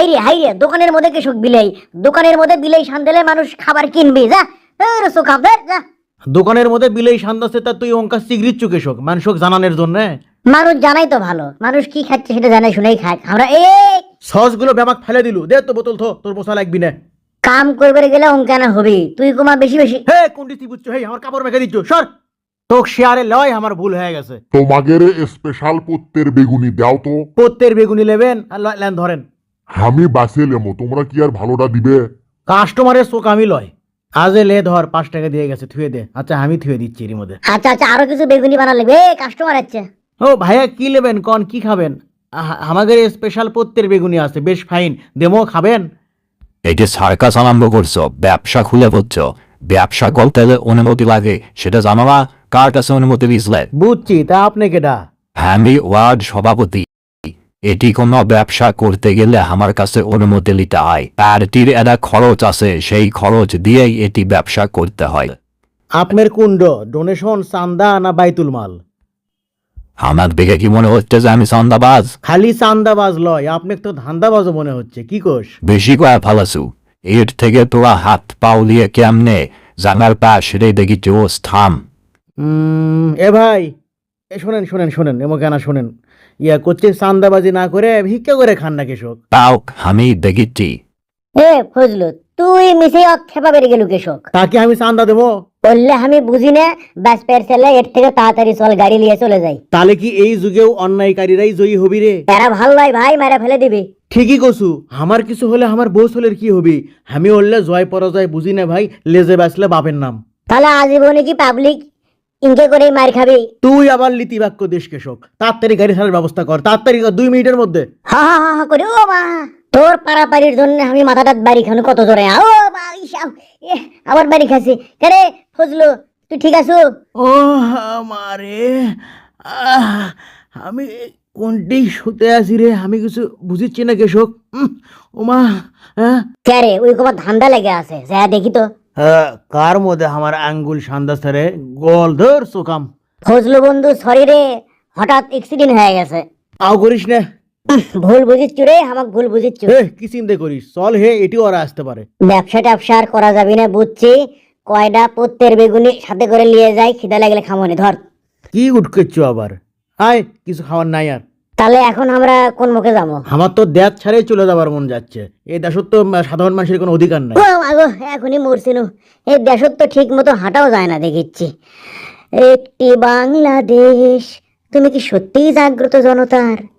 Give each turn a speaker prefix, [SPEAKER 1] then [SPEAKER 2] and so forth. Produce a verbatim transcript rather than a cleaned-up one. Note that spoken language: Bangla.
[SPEAKER 1] হাইরে হাইরে, দোকানের মধ্যে কৃষক বিলাই, দোকানের মধ্যে বিলাই সান্দেলে মানুষ খাবার কিনবে, যা খাব যা।
[SPEAKER 2] দোকানের মধ্যে বিলাই সান্দাসে তা তুই অঙ্কা সিগরিট চুকেশক মানুষক জানানোর জন্য।
[SPEAKER 1] মানুষ জানাই তো ভালো, মানুষ কি খাচ্ছে সেটা জানাই শুনেই খায়। আমরা এই
[SPEAKER 2] সস গুলো ব্যামাক ফেলে দিলু, দে তো বোতল থো, তোর মশা লাগবি না।
[SPEAKER 1] কাম করবে গেলে অঙ্কানা হবি, তুই কুমা বেশি বেশি।
[SPEAKER 2] হে কোনটি তুই বুঝছো? হে আমার কাপড় মেখে দিচ্ছ, সর। তোক শেয়ারে লয়, আমার ভুল হয়ে গেছে।
[SPEAKER 3] তোমাদের স্পেশাল পত্তের বেগুনি দাও তো।
[SPEAKER 2] পত্তের বেগুনি নেবেন আর লেন ধরেন।
[SPEAKER 3] আমি বাসে লেমো, তোমরা কি আর ভালোটা দিবে?
[SPEAKER 2] কাস্টমারের চোখ আমি লয়। আজে লে ধর, পাঁচ টাকা দিয়ে গেছে, থুয়ে দে। আচ্ছা আমি থুয়ে দিচ্ছি এর মধ্যে।
[SPEAKER 1] আচ্ছা আচ্ছা, আরো কিছু বেগুনি বানা লাগবে, কাস্টমার আছে।
[SPEAKER 2] ও ভাইয়া কি নেবেন কন, কি খাবেন? আমাদের স্পেশাল পত্তের বেগুনি আছে, বেশ ফাইন, দেমো খাবেন?
[SPEAKER 4] এটা সার্কাস আরম্ভ করছো, ব্যবসা খুলে পড়ছো। ব্যবসা করতে অনুমতি লাগে, সেটা জানো না? কার কাছে অনুমতি দিয়েছিলে?
[SPEAKER 2] বুঝছি, তা আপনি কেডা?
[SPEAKER 4] আমি ওয়ার্ড সভাপতি। এটি কোনো ব্যবসা করতে গেলে আমার কাছে অনুমতি নিতে হয়, আর এটির একটা খরচ আছে, সেই খরচ দিয়েই এটি ব্যবসা করতে হয়।
[SPEAKER 2] আপনার কুণ্ড ডোনেশন, চান্দা না বাইতুল মাল?
[SPEAKER 4] আমার দেখে কি মনে হচ্ছে যে আমি চান্দাবাজ?
[SPEAKER 2] খালি চান্দাবাজ লয়, আপনাকে তো ধান্দাবাজও মনে হচ্ছে। কি কোষ?
[SPEAKER 4] বেশি কয়া ফালাসু। এর থেকে তোরা হাত পাও দিয়ে কেমনে জানার পাশ রে দেখি জোস থাম।
[SPEAKER 2] উম, এ ভাই, এ শোনেন শোনেন শোনেন, এমন কেন শোনেন, ইয়া করছে চান্দাবাজি না করে ভিক্ষা করে খান না কৃষক।
[SPEAKER 4] তাও আমি দেখিছি।
[SPEAKER 1] এ ফজলু, তুই মিশে অক্ষেপা বেরিয়ে গেলু কৃষক।
[SPEAKER 2] তাকে আমি চান্দা দেবো?
[SPEAKER 1] বললে আমি বুঝি না, ব্যাস পের ছেলে, এর থেকে তাড়াতাড়ি চল, গাড়ি নিয়ে চলে যাই।
[SPEAKER 2] তাহলে কি এই যুগেও অন্যায়কারীরাই জয়ী হবি রে?
[SPEAKER 1] এরা ভাল নয় ভাই, মারা ফেলে দিবি।
[SPEAKER 2] ঠিকই কছু, আমার কিছু হলে আমার বউ হলের কি হবি? আমি ওরলে জয় পরাজয় বুঝি না ভাই, লেজে বাঁচলে বাপের নাম।
[SPEAKER 1] তাহলে আজীবনে কি পাবলিক ইনকে করে মার খাবি?
[SPEAKER 2] তুই আবার লিতিবাক্য দেশ কৃষক, তাড়াতাড়ি গাড়ি ছাড়ার ব্যবস্থা কর, তাড়াতাড়ি কর, দুই মিনিটের মধ্যে।
[SPEAKER 1] হা হা হা হা করে, ও মা, তোর পাড়াপাড়ির জন্য আমি মাথাটা বাড়ি খানো কত জোরে। ও মা, ইসাও, এ, আবার বাড়ি খাসি কেরে? ফজলু, তুই ঠিক আছো?
[SPEAKER 2] ও আমারে, আহ, আমি কোনটি শুতে আছি রে, আমি কিছু বুঝিচ্ছি না কৃষক। ওমা, হ্যাঁ
[SPEAKER 1] কেরে, ওই কবার ধান্দা লেগে আছে, যা দেখি তো।
[SPEAKER 2] কার মধ্যে আমার আঙ্গুল সান্দাস রে, গল ধর সোকাম।
[SPEAKER 1] ফজলু বন্ধু, সরি রে, হঠাৎ অ্যাক্সিডেন্ট হয়ে গেছে।
[SPEAKER 2] আও করিস না।
[SPEAKER 1] ভুল বুঝিচ্ছু রে, আমাকে ভুল বুঝিচ্ছু।
[SPEAKER 2] হে কি চিন্তা করিস, চল হে, এটি ওরা আসতে পারে।
[SPEAKER 1] ব্যবসা ট্যাবসা আর করা যাবি না বুঝছি, কয়টা পত্তের বেগুনি সাথে করে নিয়ে যাই, খিদা লাগলে খামনি। ধর।
[SPEAKER 2] কি উঠকেচ্ছ আবার? আয়, কিছু খাওয়ার নাই আর।
[SPEAKER 1] তাহলে এখন আমরা কোন মুখে যাবো?
[SPEAKER 2] আমার তো দেশ ছাড়াই চলে যাবার মন যাচ্ছে। এই দেশত তো সাধারণ মানুষের কোনো অধিকার নাই।
[SPEAKER 1] ও আগো, এখনই মরছিল। এই দেশত তো ঠিক মতো হাঁটাও যায় না দেখিচ্ছি। একটি বাংলাদেশ, তুমি কি সত্যিই জাগ্রত জনতার?